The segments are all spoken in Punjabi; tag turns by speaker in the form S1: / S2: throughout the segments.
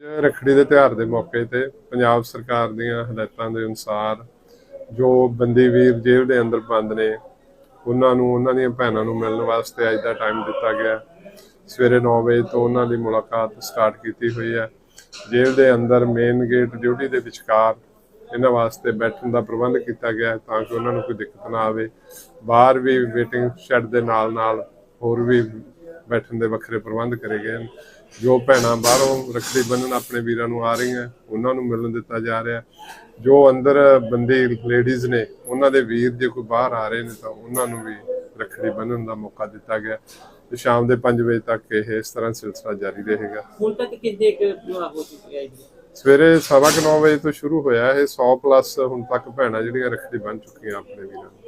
S1: ਰੱਖੜੀ ਦੇ ਤਿਉਹਾਰ ਦੇ ਮੌਕੇ ਤੇ ਪੰਜਾਬ ਸਰਕਾਰ ਦੀਆਂ ਹਦਾਇਤਾਂ ਦੇ ਅਨੁਸਾਰ ਜੋ ਬੰਦੀ ਵੀਰ ਜੇਲ੍ਹ ਦੇ ਅੰਦਰ ਬੰਦ ਨੇ ਉਹਨਾਂ ਨੂੰ ਉਹਨਾਂ ਦੀਆਂ ਭੈਣਾਂ ਨੂੰ ਮਿਲਣ ਵਾਸਤੇ ਅੱਜ ਦਾ ਟਾਈਮ ਦਿੱਤਾ ਗਿਆ। ਸਵੇਰੇ 9 ਵਜੇ ਤੋਂ ਉਹਨਾਂ ਦੀ ਮੁਲਾਕਾਤ ਸਟਾਰਟ ਕੀਤੀ ਹੋਈ ਹੈ। ਜੇਲ੍ਹ ਦੇ ਅੰਦਰ ਮੇਨ ਗੇਟ ਡਿਊਟੀ ਦੇ ਵਿਚਕਾਰ ਇਹਨਾਂ ਵਾਸਤੇ ਬੈਠਣ ਦਾ ਪ੍ਰਬੰਧ ਕੀਤਾ ਗਿਆ ਤਾਂ ਕਿ ਉਹਨਾਂ ਨੂੰ ਕੋਈ ਦਿੱਕਤ ਨਾ ਆਵੇ। ਬਾਹਰ ਵੀ ਵੇਟਿੰਗ ਸ਼ੈੱਡ ਦੇ ਨਾਲ ਹੋਰ ਵੀ ਬੈਠਣ ਦੇ ਵੱਖਰੇ ਪ੍ਰਬੰਧ ਕਰੇ ਗਏ ਹਨ। ਜੋ ਭੈਣਾਂ ਬਾਹਰੋਂ ਰੱਖੜੀ ਬੰਨ੍ਹਣ ਆਪਣੇ ਵੀਰਾਂ ਨੂੰ ਆ ਰਹੀਆਂ ਉਹਨਾਂ ਨੂੰ ਮਿਲਣ ਦਿੱਤਾ ਜਾ ਰਿਹਾ। ਜੋ ਅੰਦਰ ਬੰਦੀ ਲੇਡੀਜ਼ ਨੇ ਉਹਨਾਂ ਦੇ ਵੀਰ ਜੇ ਕੋਈ ਬਾਹਰ ਆ ਰਹੇ ਨੇ ਤਾਂ ਉਹਨਾਂ ਨੂੰ ਵੀ ਰੱਖੜੀ ਬੰਨ੍ਹਣ ਦਾ ਮੌਕਾ ਦਿੱਤਾ ਗਿਆ ਤੇ ਸ਼ਾਮ ਦੇ 5 ਵਜੇ ਤੱਕ ਇਹ ਇਸ ਤਰ੍ਹਾਂ ਸਿਲਸਿਲਾ ਜਾਰੀ ਰਹੇਗਾ।
S2: ਹੁਣ ਤੱਕ ਕਿੰਨੇ ਹੋ ਚੁੱਕੇ ਆ ਜੀ?
S1: ਸਵੇਰੇ 9:15 ਵਜੇ ਤੋਂ ਸ਼ੁਰੂ ਹੋਇਆ ਇਹ 100 ਪਲੱਸ ਹੁਣ ਤੱਕ ਭੈਣਾਂ ਜਿਹੜੀਆਂ ਰੱਖੜੀ ਬੰਨ੍ਹ ਚੁੱਕੀਆਂ ਆਪਣੇ ਵੀਰਾਂ ਨੂੰ।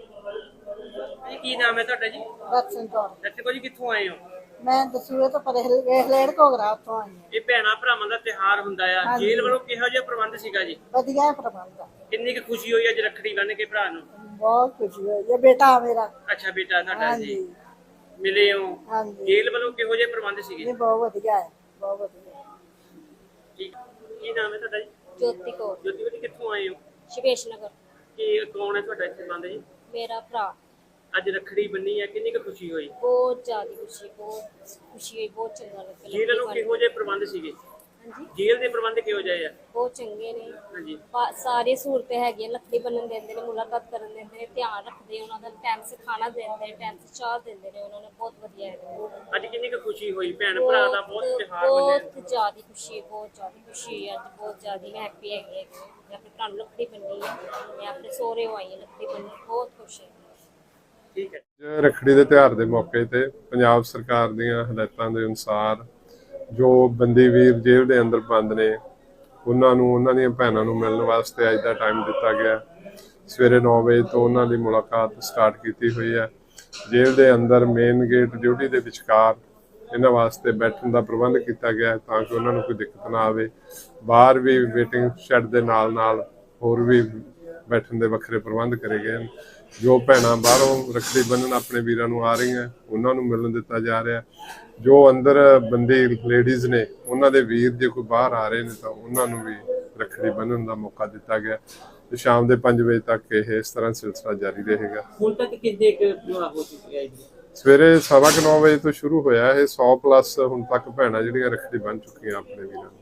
S2: ਕੀ ਨਾਮ ਹੈ ਤੁਹਾਡਾ ਜੀ?
S3: ਦਰਸ਼ਨ ਕੌਰ।
S2: ਦਰਸ਼ਨ ਜੀ ਕਿੱਥੋਂ ਆਏ ਹੋ?
S3: ਮੈਂ ਦਸੂਏ ਤੋਂ ਪਰੇ ਹਲੇੜ ਘੋਗਰਾ ਉੱਥੋਂ ਆਈ ਹਾਂ।
S2: ਇਹ ਭੈਣਾਂ ਭਰਾਵਾਂ ਦਾ ਤਿਉਹਾਰ ਹੁੰਦਾ ਆ, ਜੇਲ੍ਹ ਵੱਲੋਂ ਕਿਹੋ ਜਿਹਾ ਪ੍ਰਬੰਧ ਸੀਗਾ ਜੀ?
S3: ਵਧੀਆ ਪ੍ਰਬੰਧ ਆ।
S2: ਕਿੰਨੀ ਕੁ ਖੁਸ਼ੀ ਹੋਈ ਅੱਜ ਰੱਖੜੀ ਬੰਨ੍ਹ ਕੇ ਭਰਾ ਨੂੰ?
S3: ਬਹੁਤ ਖੁਸ਼ੀ ਹੋਈ। ਇਹ ਬੇਟਾ ਮੇਰਾ।
S2: ਅੱਛਾ ਬੇਟਾ ਤੁਹਾਡਾ ਜੀ,
S3: ਹਾਂਜੀ
S2: ਮਿਲੇ ਹੋ?
S3: ਹਾਂਜੀ।
S2: ਜੇਲ੍ਹ ਵੱਲੋਂ ਕਿਹੋ ਜਿਹੇ ਪ੍ਰਬੰਧ ਸੀਗੇ?
S3: ਇਹ ਬਹੁਤ ਵਧੀਆ ਹੈ, ਬਹੁਤ ਵਧੀਆ।
S2: ਠੀਕ। ਕੀ ਨਾਮ ਹੈ ਤੁਹਾਡਾ ਜੀ?
S4: ਜੋਤੀ ਕੌਰ।
S2: ਜੋਤੀ ਜੀ ਕਿੱਥੋਂ ਆਏ ਹੋ?
S4: ਸ਼ਿਵੇਸ਼ ਨਗਰ।
S2: ਕੀ ਕੌਣ ਹੈ ਤੁਹਾਡਾ ਇੱਥੇ ਬੰਦ ਜੀ?
S4: ਮੇਰਾ ਭਰਾ।
S2: ਅੱਜ ਰੱਖੜੀ ਬੰਨੀ ਹੈ, ਕਿੰਨੀ ਕੁ ਖੁਸ਼ੀ ਹੋਈ?
S4: ਬਹੁਤ ਜ਼ਿਆਦਾ ਖੁਸ਼ੀ, ਬਹੁਤ ਖੁਸ਼ੀ ਹੋਈ, ਬਹੁਤ ਚੰਗਾ ਲੱਗਾ।
S2: ਜੇਲ੍ਹ ਵੱਲੋਂ ਕਿਹੋ ਜਿਹੇ ਪ੍ਰਬੰਧ ਸੀਗੇ?
S4: ਹਾਂਜੀ,
S2: ਜੇਲ੍ਹ ਦੇ ਪ੍ਰਬੰਧ ਕਿਹੋ ਜਿਹੇ ਆ?
S4: ਬਹੁਤ ਚੰਗੇ ਨੇ।
S2: ਹਾਂਜੀ।
S4: ਸਾਰੀ ਸਹੂਲਤਾਂ ਹੈਗੀਆਂ। ਲੱਕੜੀ ਬੰਨਣ ਦਿੰਦੇ ਨੇ, ਮੁਲਾਕਾਤ ਕਰਨ ਦਿੰਦੇ ਨੇ, ਧਿਆਨ ਰੱਖਦੇ ਉਹਨਾਂ ਦਾ, ਟਾਈਮ ਸੇ ਖਾਣਾ ਦਿੰਦੇ ਨੇ, ਟਾਈਮ ਸੇ ਚਾਹ ਦਿੰਦੇ ਨੇ। ਉਹਨਾਂ ਨੇ ਬਹੁਤ ਵਧੀਆ ਹੈ।
S2: ਅੱਜ ਕਿੰਨੀ ਕੁ ਖੁਸ਼ੀ ਹੋਈ? ਭੈਣ ਭਰਾ ਦਾ ਬਹੁਤ ਤਿਉਹਾਰ ਮੰਨਿਆ।
S4: ਬਹੁਤ ਜ਼ਿਆਦਾ ਖੁਸ਼ੀ, ਬਹੁਤ ਜ਼ਿਆਦਾ ਖੁਸ਼ੀ ਹੈ। ਅੱਜ ਬਹੁਤ ਜ਼ਿਆਦਾ ਮੈਂ ਹੈਪੀ ਹੈਗੀ ਹੈ। ਮੈਂ ਆਪਣੇ ਭਰਾ ਨੂੰ ਲੱਕੜੀ ਬੰਨੀ ਹੈ। ਮੈਂ ਆਪਣੇ ਸਹੁਰੇ ਆਈ ਹਾਂ ਲੱਕੜੀ ਬੰਨਣ, ਬਹੁਤ ਖੁਸ਼ ਹਾਂ।
S2: ਠੀਕ ਹੈ।
S1: ਰੱਖੜੀ ਦੇ ਤਿਉਹਾਰ ਦੇ ਮੌਕੇ ਤੇ ਪੰਜਾਬ ਸਰਕਾਰ ਦੀਆਂ ਹਦਾਇਤਾਂ ਦੇ ਅਨੁਸਾਰ ਜੋ ਬੰਦੀ ਵੀਰ ਜੇਲ੍ਹ ਦੇ ਅੰਦਰ ਬੰਦ ਨੇ ਉਹਨਾਂ ਨੂੰ ਉਹਨਾਂ ਦੀਆਂ ਭੈਣਾਂ ਨੂੰ ਮਿਲਣ ਵਾਸਤੇ ਅੱਜ ਦਾ ਟਾਈਮ ਦਿੱਤਾ ਗਿਆ। ਸਵੇਰੇ 9 ਵਜੇ ਤੋਂ ਉਹਨਾਂ ਦੀ ਮੁਲਾਕਾਤ ਸਟਾਰਟ ਕੀਤੀ ਹੋਈ ਹੈ। ਜੇਲ੍ਹ ਦੇ ਅੰਦਰ ਮੇਨ ਗੇਟ ਡਿਊਟੀ ਦੇ ਵਿਚਕਾਰ ਇਹਨਾਂ ਵਾਸਤੇ ਬੈਠਣ ਦਾ ਪ੍ਰਬੰਧ ਕੀਤਾ ਗਿਆ ਤਾਂ ਕਿ ਉਹਨਾਂ ਨੂੰ ਕੋਈ ਦਿੱਕਤ ਨਾ ਆਵੇ। ਬਾਹਰ ਵੀ ਵੇਟਿੰਗ ਸ਼ੈੱਡ ਦੇ ਨਾਲ ਹੋਰ ਵੀ ਬੈਠਣ ਦੇ ਵੱਖਰੇ ਪ੍ਰਬੰਧ ਕਰੇ ਗਏ ਹਨ। ਜੋ ਭੈਣਾਂ ਬਾਹਰੋਂ ਰੱਖੜੀ ਬੰਨ੍ਹਣ ਆਪਣੇ ਵੀਰਾਂ ਨੂੰ ਆ ਰਹੀਆਂ ਉਹਨਾਂ ਨੂੰ ਮਿਲਣ ਦਿੱਤਾ ਜਾ ਰਿਹਾ। ਜੋ ਅੰਦਰ ਬੰਦੀ ਲੇਡੀਜ਼ ਨੇ ਉਹਨਾਂ ਦੇ ਵੀਰ ਜੇ ਕੋਈ ਬਾਹਰ ਆ ਰਹੇ ਨੇ ਤਾਂ ਉਹਨਾਂ ਨੂੰ ਵੀ ਰੱਖੜੀ ਬੰਨ੍ਹਣ ਦਾ ਮੌਕਾ ਦਿੱਤਾ ਗਿਆ ਤੇ ਸ਼ਾਮ ਦੇ 5 ਵਜੇ ਤੱਕ ਇਹ ਇਸ ਤਰ੍ਹਾਂ ਸਿਲਸਿਲਾ ਜਾਰੀ ਰਹੇਗਾ।
S2: ਹੁਣ ਤੱਕ ਕਿੰਨੇ ਹੋ ਚੁੱਕੇ ਆ ਜੀ?
S1: ਸਵੇਰੇ 9:15 ਵਜੇ ਤੋਂ ਸ਼ੁਰੂ ਹੋਇਆ ਇਹ 100 ਪਲੱਸ ਹੁਣ ਤੱਕ ਭੈਣਾਂ ਜਿਹੜੀਆਂ ਰੱਖੜੀ ਬੰਨ੍ਹ ਚੁੱਕੀਆਂ ਆਪਣੇ ਵੀਰਾਂ ਨੂੰ।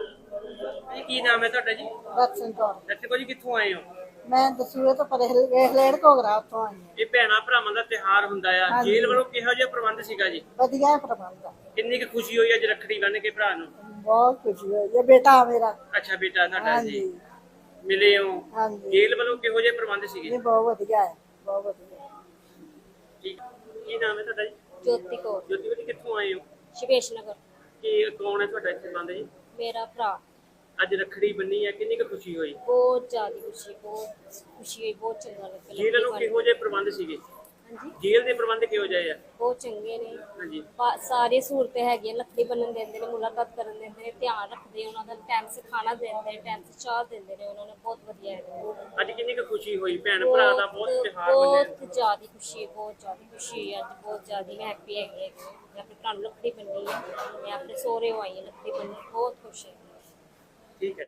S2: ਕੀ ਨਾਮ ਹੈ ਤੁਹਾਡਾ ਜੀ?
S3: ਦਰਸ਼ਨ ਕੌਰ।
S2: ਦਰਸ਼ਨ ਜੀ ਕਿੱਥੋਂ ਆਏ ਹੋ?
S3: ਮੈਂ ਦਸੂਏ ਤੋਂ ਪਰੇ ਹਲੇੜ ਘੋਗਰਾ ਉੱਥੋਂ ਆਈ ਹਾਂ।
S2: ਇਹ ਭੈਣਾਂ ਭਰਾਵਾਂ ਦਾ ਤਿਉਹਾਰ ਹੁੰਦਾ ਆ, ਜੇਲ੍ਹ ਵੱਲੋਂ ਕਿਹੋ ਜਿਹਾ ਪ੍ਰਬੰਧ ਸੀਗਾ ਜੀ?
S3: ਵਧੀਆ ਪ੍ਰਬੰਧ ਆ।
S2: ਕਿੰਨੀ ਕੁ ਖੁਸ਼ੀ ਹੋਈ ਅੱਜ ਰੱਖੜੀ ਬੰਨ੍ਹ ਕੇ ਭਰਾ ਨੂੰ?
S3: ਬਹੁਤ ਖੁਸ਼ੀ ਹੋਈ। ਇਹ ਬੇਟਾ ਮੇਰਾ।
S2: ਅੱਛਾ ਬੇਟਾ ਤੁਹਾਡਾ ਜੀ,
S3: ਹਾਂਜੀ
S2: ਮਿਲੇ ਹੋ?
S3: ਹਾਂਜੀ।
S2: ਜੇਲ੍ਹ ਵੱਲੋਂ ਕਿਹੋ ਜਿਹੇ ਪ੍ਰਬੰਧ ਸੀਗੇ?
S3: ਇਹ ਬਹੁਤ ਵਧੀਆ ਹੈ, ਬਹੁਤ ਵਧੀਆ।
S2: ਠੀਕ। ਕੀ ਨਾਮ ਹੈ ਤੁਹਾਡਾ ਜੀ?
S4: ਜੋਤੀ ਕੌਰ।
S2: ਜੋਤੀ ਜੀ ਕਿੱਥੋਂ ਆਏ ਹੋ?
S4: ਸ਼ਿਵੇਸ਼ ਨਗਰ।
S2: ਕੀ ਕੌਣ ਹੈ ਤੁਹਾਡਾ ਇੱਥੇ ਬੰਦ ਜੀ?
S4: ਮੇਰਾ ਭਰਾ।
S2: ਅੱਜ ਰੱਖੜੀ ਬੰਨੀ ਹੈ, ਕਿੰਨੀ ਕੁ ਖੁਸ਼ੀ ਹੋਈ?
S4: ਬਹੁਤ ਜ਼ਿਆਦਾ ਖੁਸ਼ੀ, ਬਹੁਤ ਖੁਸ਼ੀ ਹੋਈ, ਬਹੁਤ ਚੰਗਾ ਲੱਗਾ।
S2: ਜੇਲ੍ਹ ਵੱਲੋਂ ਕਿਹੋ ਜਿਹੇ ਪ੍ਰਬੰਧ ਸੀਗੇ?
S4: ਹਾਂਜੀ,
S2: ਜੇਲ੍ਹ ਦੇ ਪ੍ਰਬੰਧ ਕਿਹੋ ਜਿਹੇ ਆ?
S4: ਬਹੁਤ ਚੰਗੇ ਨੇ।
S2: ਹਾਂਜੀ।
S4: ਸਾਰੀ ਸਹੂਲਤਾਂ ਹੈਗੀਆਂ। ਲੱਕੜੀ ਬੰਨਣ ਦਿੰਦੇ ਨੇ, ਮੁਲਾਕਾਤ ਕਰਨ ਦਿੰਦੇ ਨੇ, ਧਿਆਨ ਰੱਖਦੇ ਉਹਨਾਂ ਦਾ, ਟਾਈਮ ਸੇ ਖਾਣਾ ਦਿੰਦੇ ਨੇ, ਟਾਈਮ ਸੇ ਚਾਹ ਦਿੰਦੇ ਨੇ। ਉਹਨਾਂ ਨੇ ਬਹੁਤ ਵਧੀਆ ਹੈ।
S2: ਅੱਜ ਕਿੰਨੀ ਕੁ ਖੁਸ਼ੀ ਹੋਈ? ਭੈਣ ਭਰਾ ਦਾ ਬਹੁਤ ਤਿਉਹਾਰ ਮੰਨਿਆ।
S4: ਬਹੁਤ ਜ਼ਿਆਦਾ ਖੁਸ਼ੀ, ਬਹੁਤ ਜ਼ਿਆਦਾ ਖੁਸ਼ੀ ਹੈ। ਅੱਜ ਬਹੁਤ ਜ਼ਿਆਦਾ ਮੈਂ ਹੈਪੀ ਹੈਗੀ ਹੈ। ਮੈਂ ਆਪਣੇ ਭਰਾ ਨੂੰ ਲੱਕੜੀ ਬੰਨੀ ਹੈ। ਮੈਂ ਆਪਣੇ ਸਹੁਰੇ ਆਈ ਹਾਂ ਲੱਕੜੀ ਬੰਨਣ, ਬਹੁਤ ਖੁਸ਼ ਹਾਂ।
S2: ਠੀਕ ਹੈ।